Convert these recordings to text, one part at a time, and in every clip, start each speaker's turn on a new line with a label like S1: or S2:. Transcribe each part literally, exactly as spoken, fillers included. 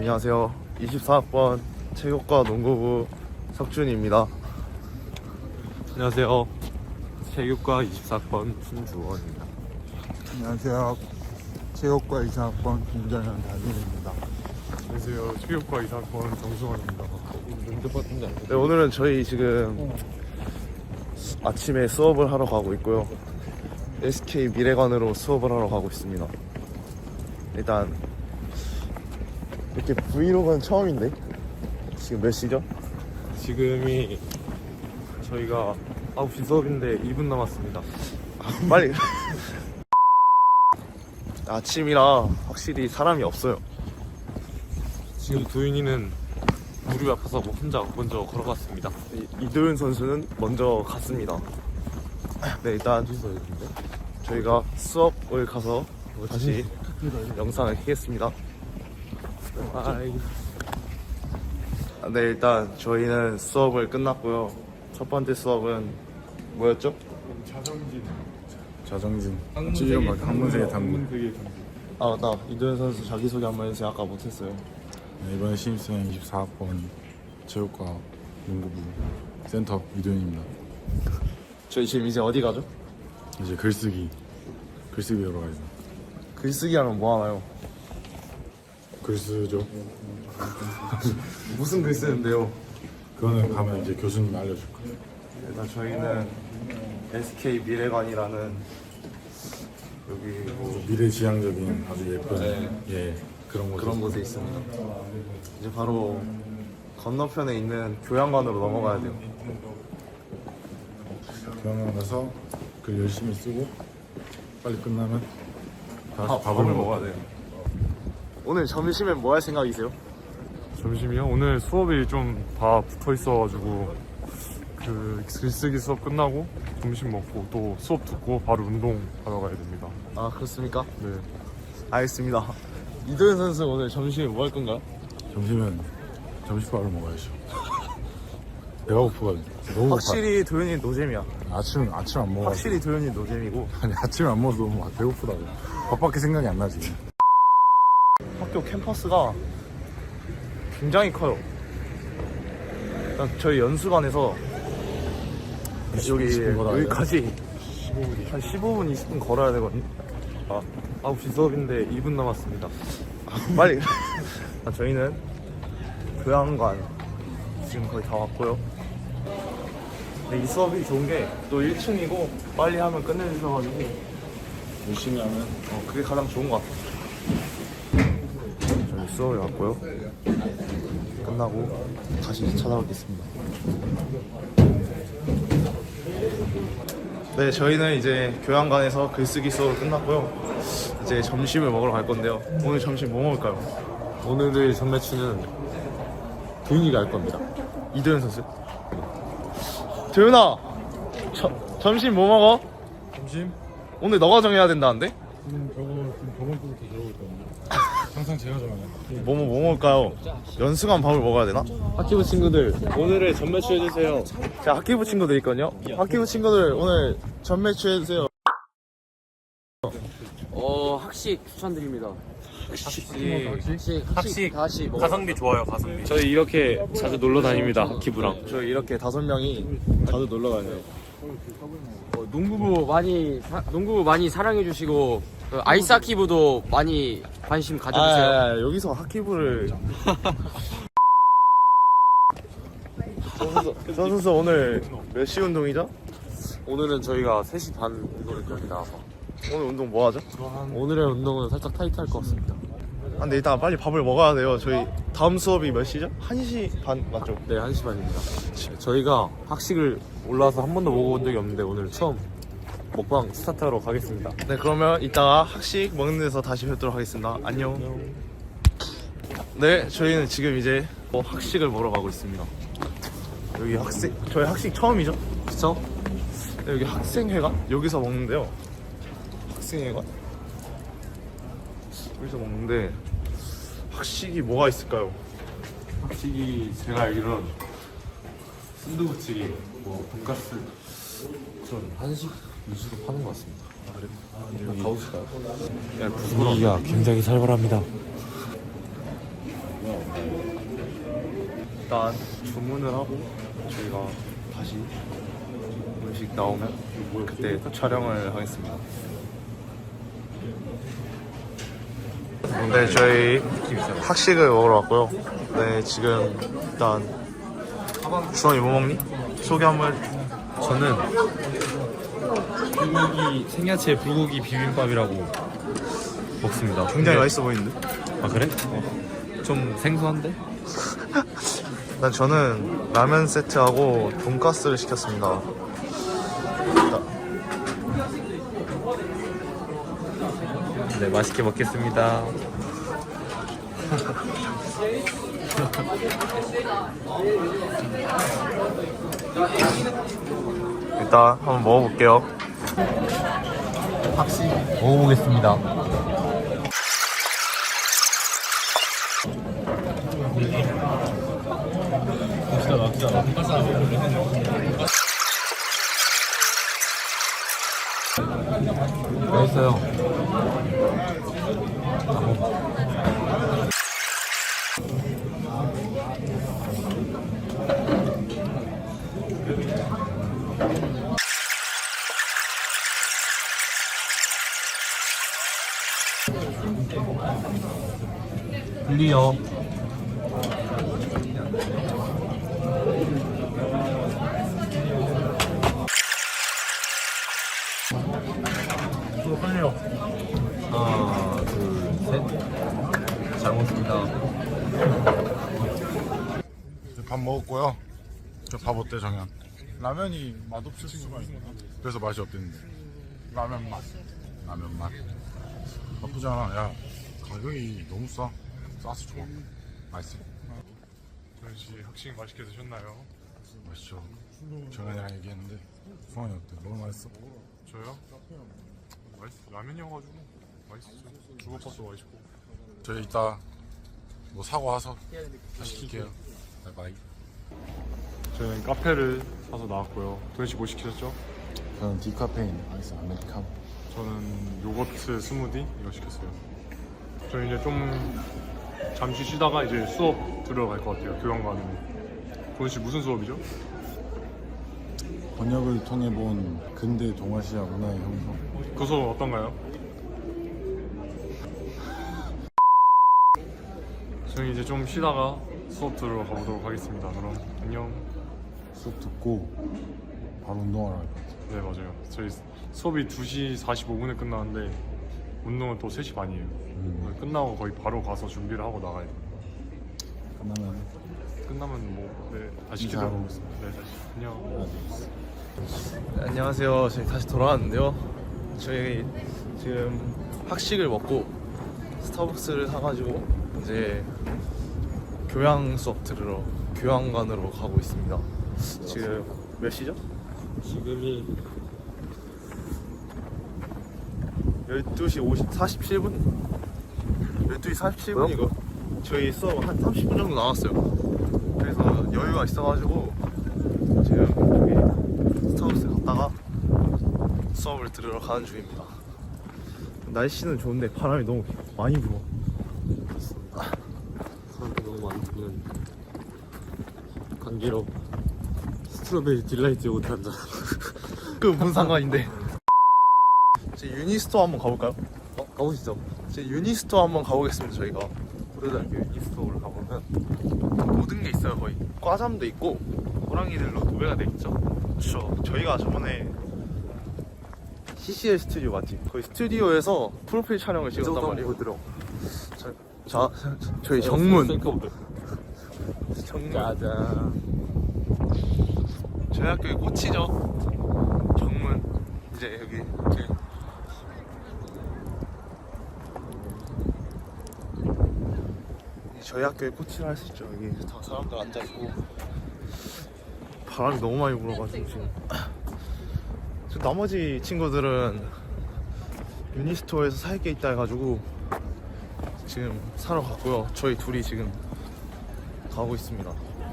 S1: 안녕하세요. 이십사 학번 체육과 농구부 석준입니다.
S2: 안녕하세요. 체육과 이십사 학번 신주원입니다.
S3: 안녕하세요. 체육과 이사 학번 김정현 다빈입니다.
S2: 안녕하세요. 체육과 이십사 학번 정승원입니다.
S1: 네, 오늘은 저희 지금 아침에 수업을 하러 가고 있고요. 에스케이 미래관으로 수업을 하러 가고 있습니다. 일단 이렇게 브이로그는 처음인데 지금 몇 시죠?
S2: 지금이 저희가 아홉 시 수업인데 이 분 남았습니다.
S1: 빨리 아침이라 확실히 사람이 없어요.
S2: 지금 도윤이는 무릎이 아파서 뭐 혼자 먼저 걸어갔습니다.
S1: 이- 이도윤 선수는 먼저 갔습니다. 네, 일단 저희가 수업을 가서 다시 영상을 켜겠습니다.
S2: 아이.
S1: 네, 일단 저희는 수업을 끝났고요. 첫 번째 수업은 뭐였죠?
S3: 자정진. 찌개만 학문세계 탐구.
S1: 아 맞다, 이도현 선수 자기소개 한번 해주세요. 아까 못했어요.
S3: 네, 이번에 신입생 이십사 학번 체육과 농구부 센터 이도현입니다.
S1: 저희 지금 이제 어디 가죠?
S3: 이제 글쓰기 글쓰기 배우러 가야죠.
S1: 글쓰기 하면 뭐 하나요?
S3: 글 쓰죠.
S1: 무슨 글 쓰는데요?
S3: 그거는 가면 이제 교수님 알려줄 거예요.
S1: 일단 저희는 에스케이 미래관이라는 여기 뭐
S3: 미래지향적인 아주 예쁜
S1: 네.
S3: 예 그런 곳
S1: 그런 곳에 있습니다. 이제 바로 건너편에 있는 교양관으로 넘어가야 돼요.
S3: 교양관 가서 글 열심히 쓰고 빨리 끝나면 다시
S1: 아,
S3: 밥을
S1: 밥을
S3: 먹어야
S1: 먹어야 돼요. 오늘 점심엔 뭐 할 생각이세요?
S2: 점심이요? 오늘 수업이 좀 다 붙어 있어가지고 그 글쓰기 수업 끝나고 점심 먹고 또 수업 듣고 바로 운동 하러 가야 됩니다.
S1: 아 그렇습니까?
S2: 네.
S1: 알겠습니다. 이도현 선수 오늘 점심에 뭐 할 건가요?
S3: 점심은 점심밥을 먹어야죠. 배가 고프거든요. 너무
S1: 확실히 도현이 노잼이야.
S3: 고파. 아침 아침 안 먹어.
S1: 확실히 도현이 노잼이고
S3: 아니 아침 안 먹어도 너무 배고프다고. 밥밖에 생각이 안 나지.
S1: 학교 캠퍼스가 굉장히 커요. 일단 저희 연수관에서 여기
S3: 이십 분 걸어야
S1: 여기까지 한 십오 분, 이십 분 걸어야 되거든요.
S2: 아, 아홉 시 수업인데 이 분 남았습니다.
S1: 빨리. 저희는 교양관 지금 거의 다 왔고요. 근데 이 수업이 좋은 게 또 일 층이고 빨리 하면 끝내주셔가지고
S3: 열심히 하면
S1: 어, 그게 가장 좋은 것 같아요. 저희 수업에 왔고요. 끝나고 다시 찾아뵙겠습니다. 네, 저희는 이제 교양관에서 글쓰기 수업을 끝났고요. 이제 점심을 먹으러 갈 건데요. 오늘 점심 뭐 먹을까요?
S2: 오늘의 선매치는 도윤이가 할 겁니다.
S1: 이도현 선수. 도현아, 저, 점심 뭐 먹어?
S3: 점심?
S1: 오늘 너가 정해야 된다는데?
S3: 지금 저거 지금 저번 주부터 저러고 있거든요. 항상 제가 정해요.
S1: 뭐, 뭐, 뭐 먹을까요? 연수관 밥을 먹어야 되나?
S2: 학기부 친구들 오늘의 전매치 해주세요.
S1: 자, 학기부 친구들 있거든요. 학기부 친구들 오늘 전매추 해주세요.
S4: 어 학식 추천드립니다.
S2: 학식
S4: 학식 학식 다시 먹어.
S2: 가성비 좋아요. 가성비. 저희 이렇게 자주 놀러 다닙니다. 학기부랑.
S1: 저희 이렇게 다섯 명이 자주 놀러 가요.
S4: 어, 농구부 많이 사, 농구부 많이 사랑해 주시고 그 아이스하키부도 많이 관심 가져주세요.
S1: 아, 아, 아, 여기서 학기부를. 저 선수, 저 선수 오늘 몇 시 운동이죠?
S2: 오늘은 저희가 세 시 반 운동을 여기 나와서
S1: 오늘 운동 뭐 하죠?
S2: 오늘의 운동은 살짝 타이트할 것 같습니다.
S1: 아, 근데 일단 빨리 밥을 먹어야 돼요. 저희 다음 수업이 몇 시죠? 한 시 반 맞죠?
S2: 네, 한 시 반입니다. 네, 저희가 학식을 올라와서 한 번도 먹어본 적이 없는데 오늘 처음 먹방 스타트하러 가겠습니다.
S1: 네, 그러면 이따가 학식 먹는 데서 다시 뵙도록 하겠습니다. 안녕. 네, 저희는 지금 이제 뭐 학식을 먹으러 가고 있습니다. 여기 학생, 저희 학식 처음이죠?
S2: 그쵸?
S1: 네, 여기 학생회관? 여기서 먹는데요. 학생회관? 여기서 먹는데 학식이 뭐가 있을까요?
S2: 학식이 제가 알기로는 순두부찌개, 뭐 돈가스 그런 한식 위주로 파는 것 같습니다. 아, 그래? 아, 가보실까요?
S1: 야,
S2: 분위기가 굉장히 살벌합니다.
S1: 일단 주문을 하고 저희가 다시 음식 나오면 그때 촬영을 하겠습니다. 네, 저희 학식을 먹으러 왔고요. 네, 지금 일단 주원이 뭐 먹니? 소개 한번 해.
S5: 저는 불고기 생야채 불고기 비빔밥이라고 먹습니다.
S1: 굉장히
S5: 근데-
S1: 맛있어 보이는데?
S5: 아 그래? 어. 좀 생소한데?
S1: 일단 저는 라면 세트하고 돈가스를 시켰습니다.
S5: 네, 맛있게 먹겠습니다.
S1: 일단 한번 먹어볼게요.
S5: 먹어보겠습니다. 맛있어요. 분리요. 하나, 둘, 셋. 잘 먹습니다.
S3: 밥 먹었고요. 저 밥 어때 정현? 라면이 맛없을 수가 있나? 그래서 맛이 없댔는데 라면 맛 라면 맛 나쁘지 않아. 야 가격이 너무 싸 싸서 좋아. 맛있어.
S2: 조현 씨 학식 맛있게 드셨나요?
S3: 맛있죠. 정현이랑 얘기했는데 수환이 어때? 너무 맛있어?
S2: 저요? 맛있 라면이어가지고 맛있었죠. 주먹밥도 맛있고.
S3: 저희 이따 뭐 사고 와서 다시 시킬게요. 바이바이.
S2: 저희는 카페를 사서 나왔고요. 도현 씨 뭐 시키셨죠?
S3: 저는 디카페인 아이스 아메리카노.
S2: 저는 요거트 스무디 이거 시켰어요. 저희 이제 좀 잠시 쉬다가 이제 수업 들어갈 것 같아요. 교양과는. 도현 씨 무슨 수업이죠?
S3: 번역을 통해 본 근대 동아시아 문화의 형성.
S2: 그 수업 어떤가요? 저희 이제 좀 쉬다가 수업 들으러 가보도록 하겠습니다. 그럼 안녕.
S3: 수업 듣고 바로 운동하러 갈 것 같아요.
S2: 네 맞아요. 저희 수업이 두 시 사십오 분에 끝나는데 운동은 또 세 시 반이에요.
S3: 음.
S2: 끝나고 거의 바로 가서 준비를 하고 나가야 돼요.
S3: 끝나면
S2: 끝나면 뭐 네, 다시
S3: 인사하고
S2: 기다려.
S3: 오겠습니다.
S2: 네 다시 안녕.
S1: 안녕하세요. 저희 다시 돌아왔는데요. 저희 지금 학식을 먹고 스타벅스를 사가지고 이제 교양 수업 들으러 교양관으로 가고 있습니다. 지금 몇 시죠?
S4: 지금이
S1: 열두 시 오십, 사십칠 분? 열두 시 사십칠 분이고 저희 수업 한 삼십 분 정도 남았어요. 그래서 여유가 있어가지고 지금 저기 스타벅스 갔다가 수업을 들으러 가는 중입니다. 날씨는 좋은데 바람이 너무 많이 불어.
S4: 사람이 너무 많이 부는 감기로 스트로베리 딜라이트 요거트 한잔.
S1: 그 무슨 상관인데. 제 유니스토어 한번 가볼까요?
S4: 어? 가보시죠.
S1: 제 유니스토어 한번 가보겠습니다. 저희가 고려대학교 유니스토어를 가보면 모든 게 있어요. 거의 과잠도 있고 호랑이들로 도배가 돼 있죠. 그렇죠. 저희가 저번에 씨씨엘 스튜디오 맞지? 거기 스튜디오에서 프로필 촬영을 찍었단 말이에요.
S4: 들어.
S1: 자, 자, 저희 정문.
S4: 셀카부터.
S1: 정문.
S4: 짜잔.
S1: 저희 학교의 꽃이죠. 정문. 이제 여기 이렇게 저희 학교의 꽃이라 할 수 있죠. 여기 다 사람들 앉아 있고 바람이 너무 많이 불어가지고 지금. 지금 나머지 친구들은 유니스토어에서 살 게 있다 해가지고 지금 사러 갔고요. 저희 둘이 지금 가고 있습니다.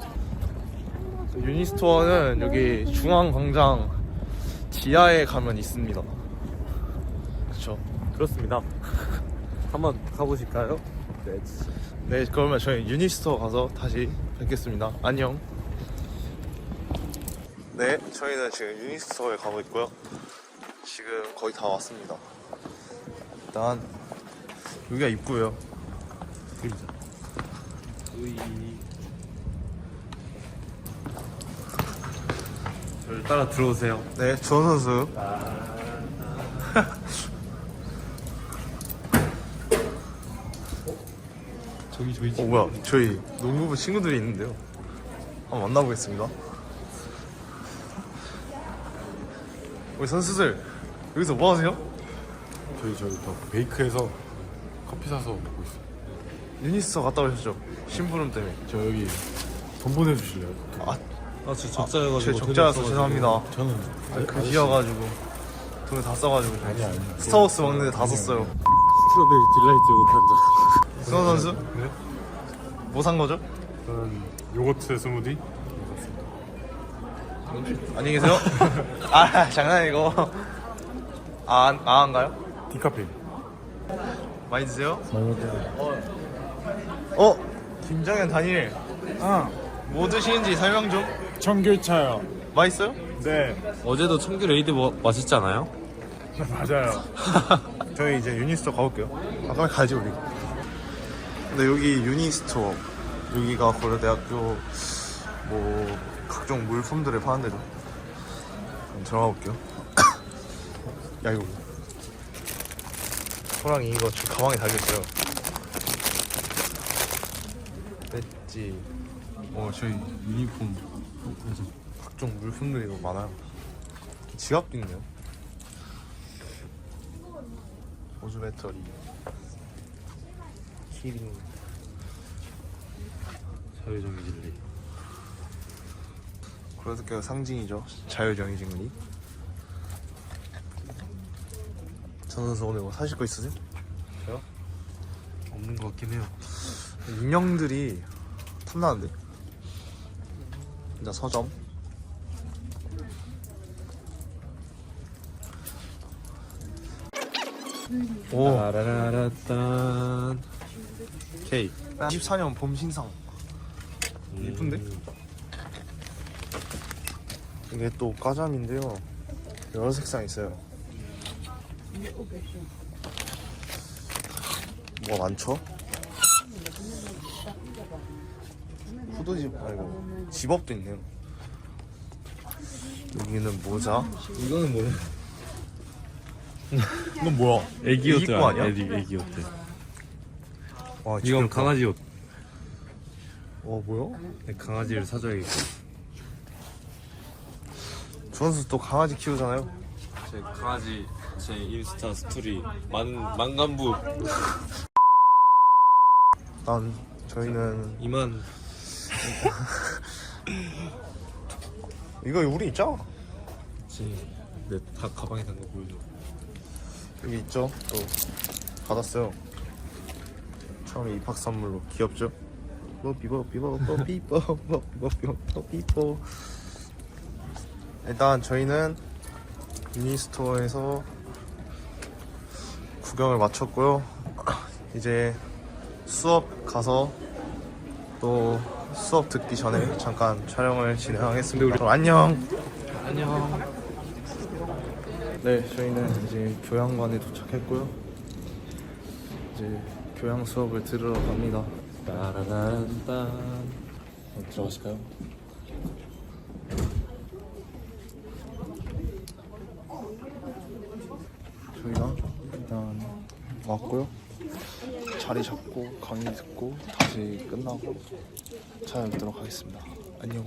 S1: 유니스토어는 여기 중앙광장 지하에 가면 있습니다. 그렇죠.
S4: 그렇습니다. 한번 가보실까요?
S1: 네, 그러면 저희 유니스토어 가서 다시 뵙겠습니다. 안녕. 네, 저희는 지금 유니스토어에 가고 있고요. 지금 거의 다 왔습니다. 일단 여기가 입구예요.
S5: 저를 따라 들어오세요.
S1: 네, 주원 선수.
S5: 저기 저기
S1: 어, 뭐야? 저희 농구부 친구들이 있는데요. 한번 만나보겠습니다. 우리 선수들 여기서 뭐 하세요?
S3: 저희 저기 또 베이크에서 커피 사서 먹고 있어요.
S1: 유니스토어 갔다 오셨죠? 심부름 때문에.
S3: 저 여기 돈 보내주실래요?
S1: 아,
S5: 아, 저 적자여가지고.
S1: 제 적자라서 죄송합니다.
S3: 저는
S1: 그 비어가지고 돈을 다 써가지고.
S3: 아니 아니.
S1: 스타워스 먹는데 다 썼어요.
S2: 스트로베리 딜라이트 요거트
S1: 승원 선수?
S2: 네?
S1: 뭐 산 거죠?
S2: 저는 요거트 스무디.
S1: 안녕히 계세요. 아, 장난이고. 아, 안, 아, 안가요?
S2: 디카페인.
S1: 많이 드세요?
S3: 많이 먹게요.
S1: 어? 김정현 단일. 아, 뭐 드시는지 설명 좀.
S3: 청귤차요.
S1: 맛있어요?
S3: 네.
S5: 어제도 청귤 레이드 뭐, 맛있지 않아요?
S3: 맞아요.
S1: 저희 이제 유니스토어 가볼게요. 아, 빨리 가야지, 우리. 근데 여기 유니스토어, 여기가 고려대학교 뭐 각종 물품들을 파는 데죠. 그럼 들어가 볼게요. 야, 이거 호랑이 이거 저 가방에 달렸어요. 배지. 어, 저희 유니폼, 각종 물품들이 너무 많아요. 지갑도 있네요. 보조 배터리, 키링.
S5: 자유정의 진리.
S1: 고려대학교 상징이죠. 자유정의진리. 전 선수 오늘 뭐 사실 거 있으세요?
S5: 없는 것 같긴 해요.
S1: 인형들이 탐나는데. 진짜 서점. 오,
S5: 따라라라딴. 케이크.
S1: 이십사 년 봄 신상. 이쁜데? 이게 또 까잠인데요. 여러 색상 있어요. 뭐가 많죠? 후드집 아니고 집업도 있네요. 여기는 모자.
S5: 이거는 뭐야?
S1: 이건 뭐야?
S5: 애기 옷
S1: 애기 거 아니야?
S5: 애기, 애기 옷.
S1: 와,
S5: 이건
S1: 지겹다.
S5: 강아지 옷.
S1: 와, 뭐야?
S5: 강아지를 사줘야겠고.
S1: 주원수 또 강아지 키우잖아요.
S5: 제 강아지 제 인스타 스토리 만 만간부
S1: 난 저희는
S5: 이만.
S1: 이거 우리 있죠?
S5: 내다 가방에 담거 보여줘.
S1: 여기 있죠? 또 받았어요. 처음에 입학 선물로. 귀엽죠? 뽀삐뽀삐뽀 뽀삐뽀 뽀삐뽀 뽀삐뽀. 일단 저희는 유니스토어에서 구경을 마쳤고요. 이제 수업 가서 또 수업 듣기 전에 잠깐 촬영을 진행하겠습니다. 그럼 안녕.
S5: 안녕.
S1: 네, 저희는 이제 교양관에 도착했고요. 이제 교양 수업을 들으러 갑니다.
S5: 따라란딴. 들어가실까요?
S1: 저희가 일단 왔고요. 자리 잡고 강의 듣고 다시 끝나고 찾아뵙도록 하겠습니다. 안녕.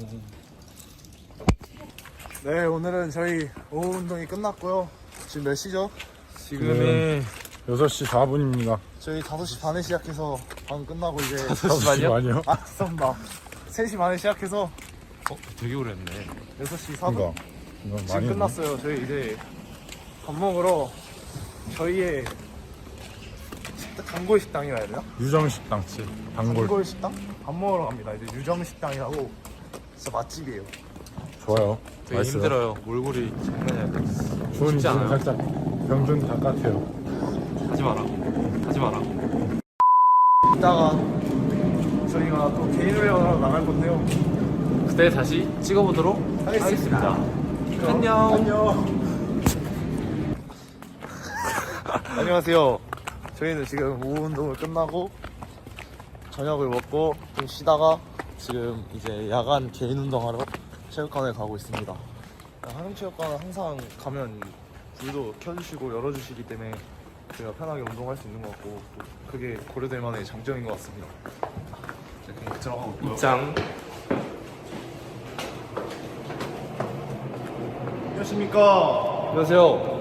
S1: 네, 오늘은 저희 오후 운동이 끝났고요. 지금 몇 시죠?
S2: 지금이 여섯 시 사 분입니다.
S1: 저희 다섯 시 반에 시작해서 방금 끝나고 이제
S2: 다섯 시 반이요?
S1: 아, 죄송합니다. 세 시 반에 시작해서
S5: 어, 되게 오래 했네.
S1: 여섯 시 사 분
S3: 이거 이거
S1: 지금
S3: 많이
S1: 끝났어요. 저희 이제 밥 먹으러 저희의 식당, 단골 식당이라 해야 되나?
S3: 유정식당집 단골
S1: 단골 식당? 밥 먹으러 갑니다. 이제 유정 식당이라고 진짜 맛집이에요.
S3: 좋아요.
S5: 되게 힘들어요. 몰골이 장난이 아니야.
S3: 주원이
S5: 쉽지
S3: 지금
S5: 않아요.
S3: 살짝 병든 바깥에요.
S5: 하지 마라. 하지 마라.
S1: 일단 이따가 저희가 또 개인 훈련하러 나갈 건데요.
S4: 그때 다시 찍어보도록 하겠습니다. 안녕.
S1: 안녕. 안녕하세요. 저희는 지금 오후 운동을 끝나고 저녁을 먹고 좀 쉬다가 지금 이제 야간 개인 운동하러 체육관에 가고 있습니다. 한양체육관은 항상 가면 불도 켜주시고 열어주시기 때문에 제가 편하게 운동할 수 있는 것 같고 또 그게 고려될 만한 장점인 것 같습니다. 자, 그럼 들어가고 있고요.
S4: 입장.
S1: 안녕하십니까.
S4: 안녕하세요.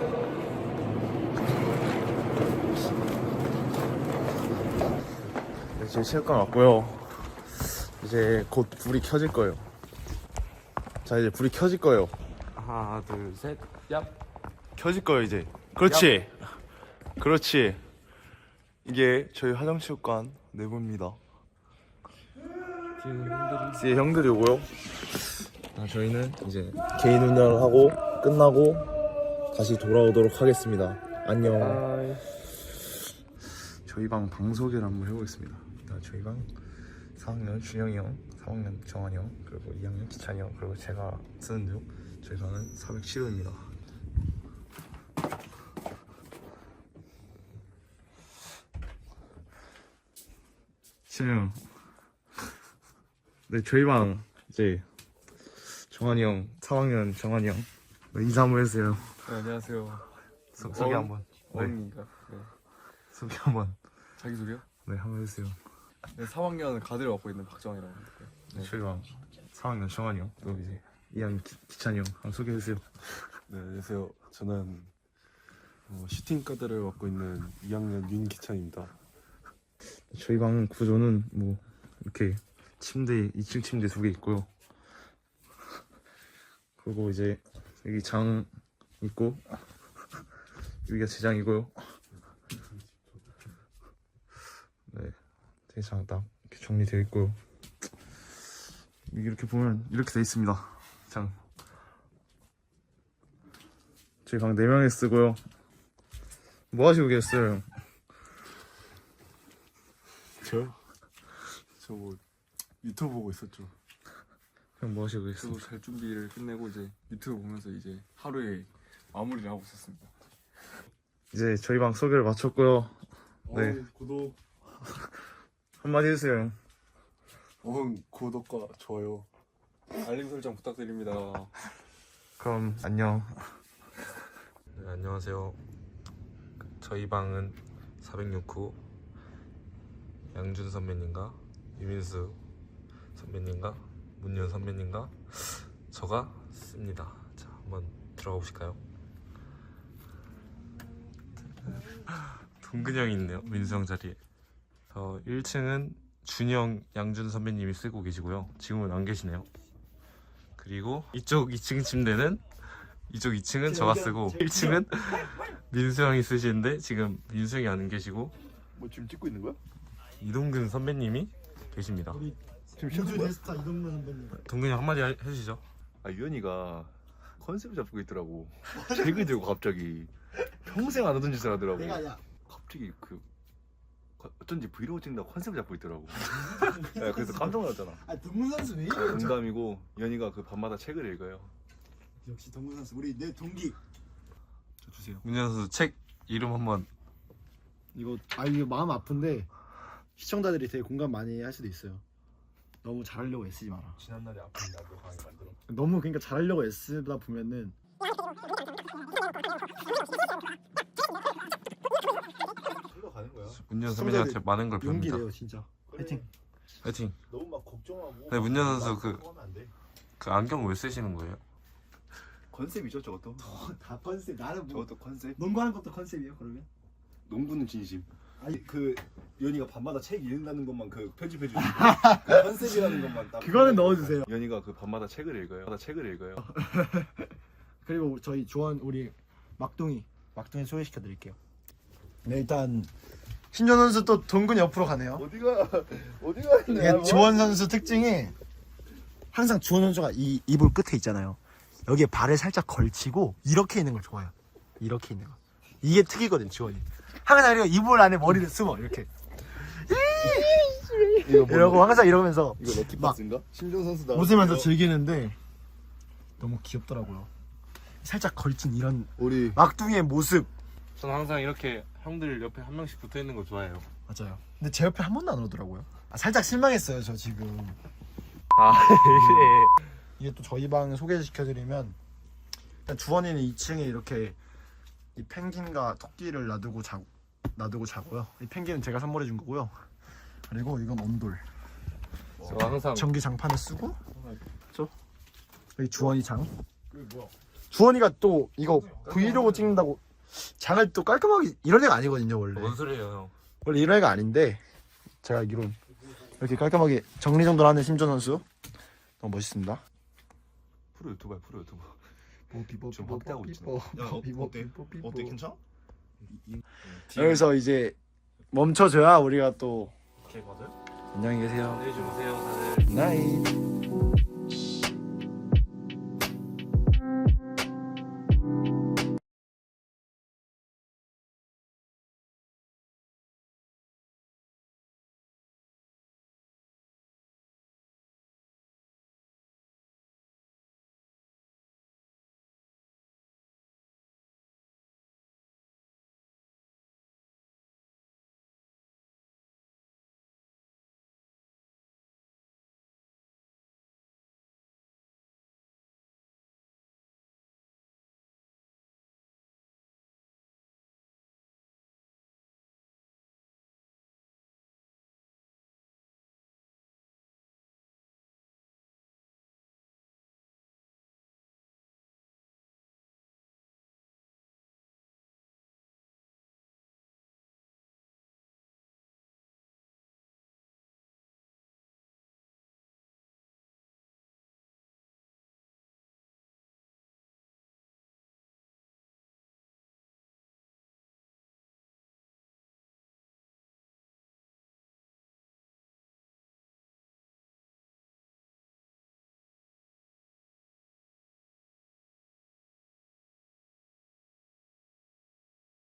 S1: 네, 지금 체육관 왔고요. 이제 곧 불이 켜질 거예요. 자, 이제 불이 켜질 거예요.
S4: 하나, 둘, 셋. 얍.
S1: 켜질 거예요, 이제. 그렇지. 그렇지. 이게 저희 화정체육관 내부입니다. 뒤에 형들이 오고요. 아, 저희는 이제 개인 훈련을 하고 끝나고 다시 돌아오도록 하겠습니다. 안녕. 저희 방 방 소개를 한번 해보겠습니다. 일단 저희 방 사 학년 준영이 형, 삼 학년 정환이 형, 그리고 이 학년 기찬이 형, 그리고 제가 쓰는 중 저희 방은 사백칠 호입니다. 진영. 네, 저희 방 이제 정환이 형, 삼 학년 정환이 형 네, 인사 한번 해주세요.
S6: 네, 안녕하세요.
S1: 소, 소개 한번. 네,
S6: 어흥인가? 네.
S1: 소개 한번.
S6: 자기소개요?
S1: 네, 한번 해주세요.
S6: 네, 삼 학년 가드를 맡고 있는 박정환이라고 합니다.
S1: 네, 저희 방 삼 학년 정환이 형, 또 이제 이 학년 기, 기찬이 형 한번 소개해주세요.
S7: 네, 안녕하세요. 저는 어, 슈팅 가드를 맡고 있는 이 학년 윤기찬입니다.
S1: 저희 방 구조는 뭐 이렇게 침대 이 층 침대 두 개 있고요. 그리고 이제 여기 장 있고 여기가 제 장이고요. 네, 제 장 딱 이렇게 정리되어 있고요. 이렇게 보면 이렇게 돼 있습니다. 장. 저희 방 네 명이 쓰고요. 뭐 하시고 계셨어요?
S7: 저요? 저 뭐 유튜브 보고 있었죠.
S1: 형 뭐 하시고 계셨어요?
S6: 저도 잘 준비를 끝내고 이제 유튜브 보면서 이제 하루에 마무리를 하고 있었습니다.
S1: 이제 저희 방 소개를 마쳤고요. 네.
S7: 어, 구독,
S1: 한마디 해주세요.
S7: 어흥 구독과 좋아요.
S6: 알림 설정 부탁드립니다.
S1: 그럼 안녕.
S5: 네, 안녕하세요. 저희 방은 사백육 호 양준 선배님과 유민수 선배님과 문현 선배님과 저가 씁니다. 자, 한번 들어가 보실까요? 동근이 형이 있네요. 민수 형 자리에. 어, 일 층은 준영, 양준 선배님이 쓰고 계시고요. 지금은 안 계시네요. 그리고 이쪽 이 층 침대는 이쪽 이 층은 저가 쓰고 일 층은 민수 형이 쓰시는데 지금 민수 형이 안 계시고
S3: 뭐 지금 찍고 있는 거야?
S5: 이동근 선배님이 계십니다.
S3: 지금
S8: 우주 네스타 이동근 선배님.
S5: 동근이 형 한마디 하- 해주시죠.
S9: 아 유연이가 컨셉을 잡고 있더라고. 책을 들고 갑자기 평생 안 하던 짓을 하더라고.
S8: 내가 야
S9: 갑자기 그 어쩐지 브이로그 찍는다고 컨셉을 잡고 있더라고. 야, 그래서 깜짝 놀랐잖아.
S8: 아 동근 선수 왜 이래?
S9: 농담이고 연이가 그 밤마다 책을 읽어요.
S8: 역시 동근 선수 우리 내 동기.
S9: 저 주세요.
S5: 문현 선수 책 이름 한번.
S8: 이거 아 이거 마음 아픈데 시청자들이 되게 공감 많이 할 수도 있어요. 너무 잘하려고 애쓰지 마라.
S3: 지난날에 아픈 나도 강하게 만들어.
S8: 너무 그러니까 잘하려고 애쓰다 보면은
S3: 흘러가는 거야.
S5: 문현 선배님한테 많은 걸
S8: 용기
S5: 배웁니다.
S8: 내요 진짜. 화이팅.
S5: 화이팅.
S3: 너무 막 걱정하고.
S5: 네, 문현 선수 그-
S3: 그거 하면 안 돼.
S5: 그 안경 왜 쓰시는 거예요?
S9: 컨셉이죠 저것도.
S8: 다 컨셉. 나는 뭐
S9: 저것도 컨셉.
S8: 농구하는 것도 컨셉이에요 그러면?
S9: 농구는 진심.
S8: 아니
S9: 그 연이가 밤마다 책 읽는다는 것만 그 편집해 주시고 그 컨셉이라는 것만 딱.
S8: 그거는 넣어주세요.
S9: 연이가 그 밤마다 책을 읽어요. 밤마다 책을 읽어요.
S8: 그리고 저희 조원 우리 막둥이 막둥이 소개시켜 드릴게요. 네 일단 신전 선수 또 동근이 옆으로 가네요.
S3: 어디가 어디가 있냐?
S8: 이게 주원 선수 특징이 항상 주원 선수가 이 이불 끝에 있잖아요. 여기에 발을 살짝 걸치고 이렇게 있는 걸 좋아해요. 이렇게 있는 거. 이게 특이거든 주원이. 항상 이렇게 이불 안에 머리를 숨어 이렇게. 이러고 항상 이러면서
S9: 이거 럭키박스인가? 심정 선수다.
S8: 웃으면서 즐기는데 너무 귀엽더라고요. 살짝 걸친 이런
S9: 우리
S8: 막둥이의 모습.
S5: 저는 항상 이렇게 형들 옆에 한 명씩 붙어 있는 거 좋아해요.
S8: 맞아요. 근데 제 옆에 한 번도 안 오더라고요. 아, 살짝 실망했어요 저 지금.
S5: 아 이래.
S8: 이게 또 저희 방 소개시켜드리면 일단 주원이는 이 층에 이렇게 이 펭귄과 토끼를 놔두고 자 놔두고 자고요. 이 펭귄은 제가 선물해 준 거고요. 그리고 이건 온돌.
S5: 저 항상
S8: 전기 장판을 쓰고 저 여기 주원이 장. 주원이가 또 이거 브이로그 찍는다고 장을 또 깔끔하게 이런 애가 아니거든요 원래.
S5: 뭔 소리예요 형?
S8: 원래 이런 애가 아닌데 제가 알기론 이렇게 깔끔하게 정리정돈하는 심전 선수 너무 멋있습니다.
S9: 프로 유튜버야 프로 유튜버.
S8: 좀
S9: 확대하고 있지.
S3: 어때? 어때 괜찮아?
S8: 여기서 이제 멈춰줘야 우리가 또
S5: 오케이 맞아요?
S8: 안녕히 계세요.
S5: 안녕히 주무세요 다들.
S8: 나잇.